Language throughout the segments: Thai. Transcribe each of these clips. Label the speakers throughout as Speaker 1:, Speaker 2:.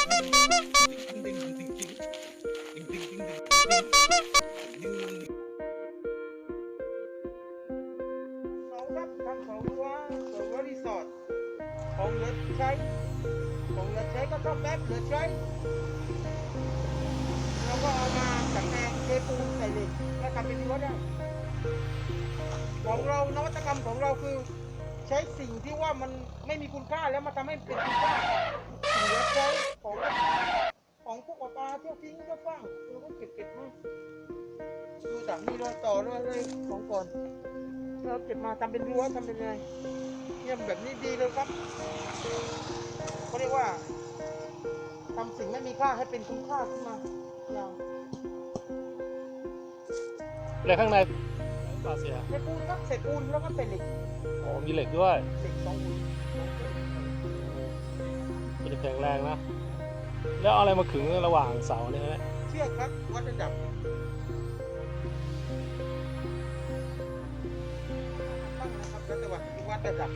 Speaker 1: ครับทำของรั้วรีสอร์ทของเหลือใช้ก็ชอบแป๊บเหลือใช้แล้วก็เอามาจัดแปลงเทปูนใส่เหล็กแล้วทำเป็นรั้วได้ของเรานวัตกรรมของเราคือใช้สิ่งที่ว่ามันไม่มีคุณค่าแล้วมาทำให้เป็นคุณค่าเหลือใช้ของพวกปลาเที่ยวทิ้งเที่ยวฟังเราก็เก็บมาดูจากนี้รอยต่อเลยของก่อนเราเก็บมาทำเป็นรั้วทำเป็นอะไรเนี่ยแบบนี้ดีเลยครับเขาเรียกว่าทำสิ่งไม่มีค่าให้เป็นคุณค่าขึ้นมาอย่าง
Speaker 2: แล้วข้างในปลาเสีย
Speaker 1: เศษปูนครับเศษปูนแล้วก็เศษเหล็ก
Speaker 2: อ๋อมีเหล็กด้วย
Speaker 1: เหล็ก2 หุ่น
Speaker 2: มันจะแข็งแรงนะ แล้วเอาอะไรมาขึงระหว่างเสาเนี่ยนะ
Speaker 1: เชือกครับวัดระดับตั้งนะครับแล้วแต่ว่าวัดระดับ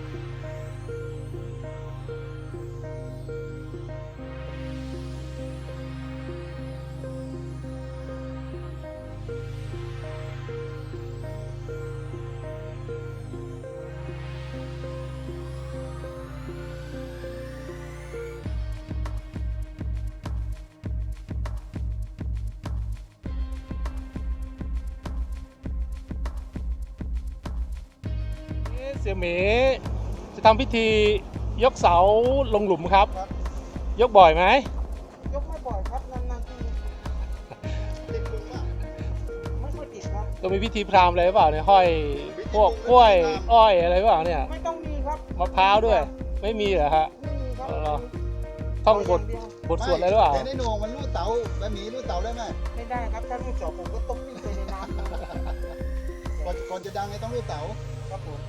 Speaker 2: เสี่ยหมีจะทำพิธียกเสาลงหลุมครับ
Speaker 1: ครับ
Speaker 2: ยกบ่อยไหม
Speaker 1: ยกไม่บ่อยครับนานๆทีติดหลุมอ่ะไม่ค่อยติดครับ
Speaker 2: ก็มีพิธีพราหมณ์อะไรหรือเปล่าเนี่ยห้อยพวกกล้วยอ้อยอะไรหรือเปล่าเนี่ย
Speaker 1: ไม่ต้องมีครับ
Speaker 2: มะพร้าวด้วย ไม่มีเหรอฮะ
Speaker 1: ไม่มีครับ
Speaker 2: เหรอ ท่องบท
Speaker 1: เาย่าเดียว
Speaker 2: บทสวดอะไรหรือเปล่า
Speaker 3: แต่ในโหนงมันรูดเต๋าแบบหมีรูดเต๋าได้ไหม
Speaker 1: ไม่ได้ครับถ้าลูกจอบผมก็ตกวิ่งไปในน้ำเลย
Speaker 3: ก่อนจะดังไงต้องรูดเต๋า
Speaker 1: ครับผม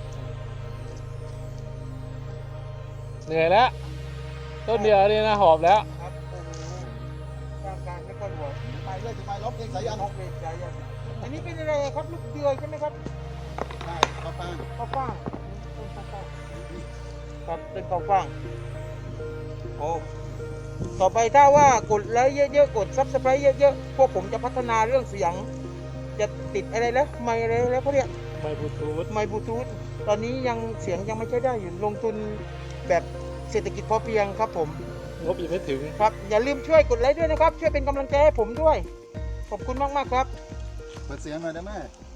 Speaker 2: เหนื่อยแล้ว ต้นเดียวนี่นะหอบแล้ว
Speaker 1: ครับโอ้โหร่างกายไม่ค่อยไหว
Speaker 3: ไปเลยจะไปร้องเพลงสายัน
Speaker 1: นกเวทใจยันอันนี้เป็นอะไรครับลูกเดือยใช่ไหมครับ
Speaker 3: ใช่ข้าวฟ่าง
Speaker 1: ข้าวฟ่างเป็นข้าวฟ่างครับเป็นข้าวฟ่างโอ้ต่อไปถ้าว่ากดไลค์เยอะๆกดซับสไครต์เยอะๆพวกผมจะพัฒนาเรื่องเสียง จะติดอะไรแล้วไมค์อะไรแล้วเขาเรียก
Speaker 2: ไมค์บลูทูธ
Speaker 1: ไมค์บลูทูธตอนนี้ยังเสียงยังไม่ใช้ได้อยู่ลงทุนแบบเศรษฐกิจพอเพียงครับผม
Speaker 2: งบอีกไม่ถึง
Speaker 1: ครับอย่าลืมช่วยกดไลค์ด้วยนะครับ ช่วยเป็นกำลังใจให้ผมด้วย ขอบคุณมากๆครับ
Speaker 3: เปิดเสียงหน่อยได้ไหม
Speaker 1: ค